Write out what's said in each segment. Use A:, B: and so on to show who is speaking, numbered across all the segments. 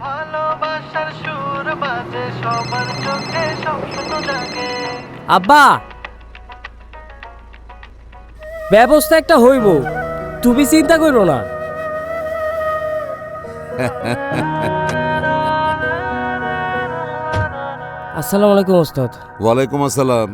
A: আব্বা, ব্যবস্থা একটা হইব, তুমি চিন্তা করো না। আসসালামু আলাইকুম ওস্তাদ।
B: ওয়ালাইকুম আসসালাম।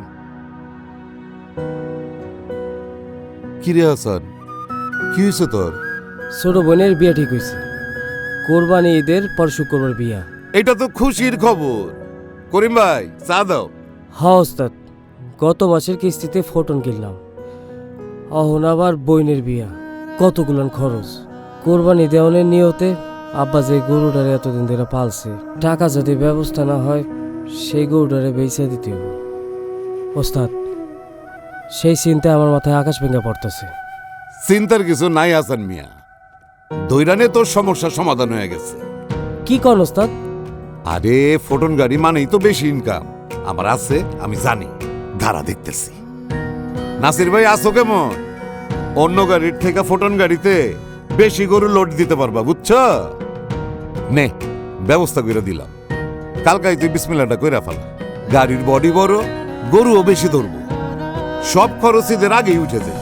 B: কিরে হাসান, কি হয়েছে তোর?
A: ছোট বোনের বিয়া ঠিক হয়েছে, কোরবানি ঈদের পর শুক্রবার বিয়া।
B: এটা তো খুশির খবর। করিম ভাই, চা দাও।
A: হ্যাঁ ওস্তাদ, গত মাসের কিস্তিতে ফোটন কিনলাম, অহন আবার বইনের বিয়া, কতগুলান খরচ। কোরবানি দেওয়ানের নিয়তে আব্বা যে গরুটারে এতদিন ধরে পালছে, টাকা যদি ব্যবস্থা না হয় সেই গরুটারে বেচে দিতে হবে। ওস্তাদ, সেই চিন্তা আমার মাথায় আকাশ ভেঙে পড়তেছে।
B: চিন্তার কিছু নাই হাসান মিয়া, দৈরানে তোর সমস্যার সমাধান হয়ে গেছে।
A: কি কন ওস্তাদ?
B: আরে ফোটন গাড়ি মানেই তো বেশি ইনকাম। আমার আছে, আমি জানি, ধারা দেখতেছি। নাসির ভাই আসো কেমন? অন্য গাড়ির থেকে ফোটন গাড়িতে বেশি গরু লোড দিতে পারবা, বুঝছ? নে, ব্যবস্থা করে দিলাম। কালকাই তুই বিসমিল্লাটা কইরা ফেলা। গাড়ির বডি বড়, গরুও বেশি ধরবো, সব খরচ ঈদের আগেই উঠে যায়।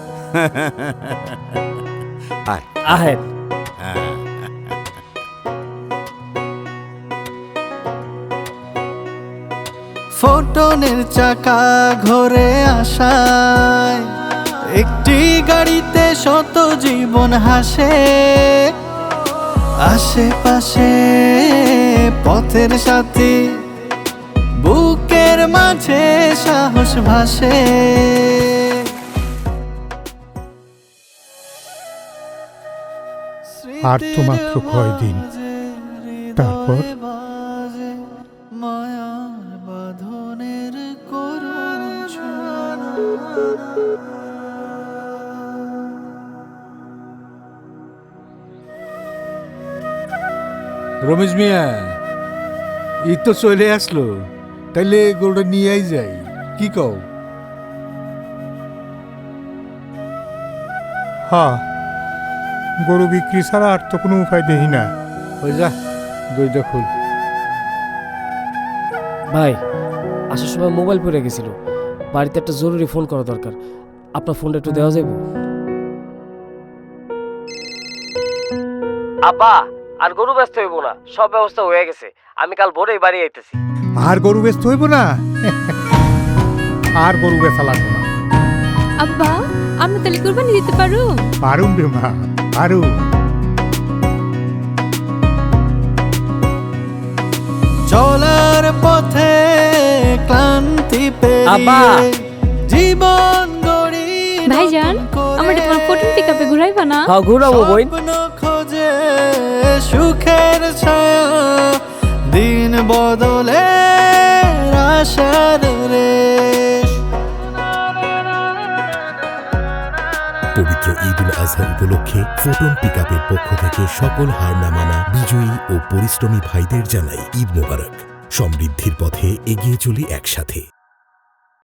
B: আয়
A: আহেন।
C: ফোটনের চাকা ঘরে আসায় একটি গাড়িতে শত জীবন হাসে। আশেপাশে পথের সাথী, বুকের মাঝে সাহস ভাসে।
D: আর তো মাত্র কয়দিন, তারপর
C: মায়ার বাঁধনের করুণ ছোঁয়া।
E: রমেশ মিয়া, ঈদ তো চলে আসলো, তাইলে গরুটা নিয়েই যাই, কি কও?
D: হ্যাঁ, গরু বিক্রি ছাড়া আর তো কোনো উপায় দেখি না।
E: ওই যা, দইটা খুল।
A: ভাই, আসার সময় মোবাইল পড়ে গেছিল, বাড়িতে একটা জরুরি ফোন করা দরকার, আপনার ফোনটা একটু দেওয়া যাবে? আব্বা, আর গরু ব্যস্ত হইব না, সব ব্যবস্থা হয়ে গেছে, আমি কাল ভোরেই বাড়ি আইতেছি।
D: আর গরু বেচতে হইব না, আর গরু বেচা লাগবে না।
F: আব্বা, আমরা তাহলে কুরবানি দিতে পারো?
D: পারুম রে মা, পারুম।
C: চলার পথে ক্লান্তি
A: আব্বা।
C: পেরিয়ে জীবন গড়ি
F: ভাইজান, আমরা তোমার ফোটন পিকআপে ঘুরাইবা না?
A: হ্যাঁ, ঘুরাবো বই।
C: স্বপ্ন খোঁজে সুখের ছায়া, দিন বদলে আশার রেশ।
G: পবিত্র ঈদ উল আজহা উপলক্ষে ফোটন পিকআপের পক্ষ থেকে সকল হার না মানা বিজয়ী ও পরিশ্রমী ভাইদের জানাই ঈদ মোবারক। সমৃদ্ধির পথে এগিয়ে চলি একসাথে।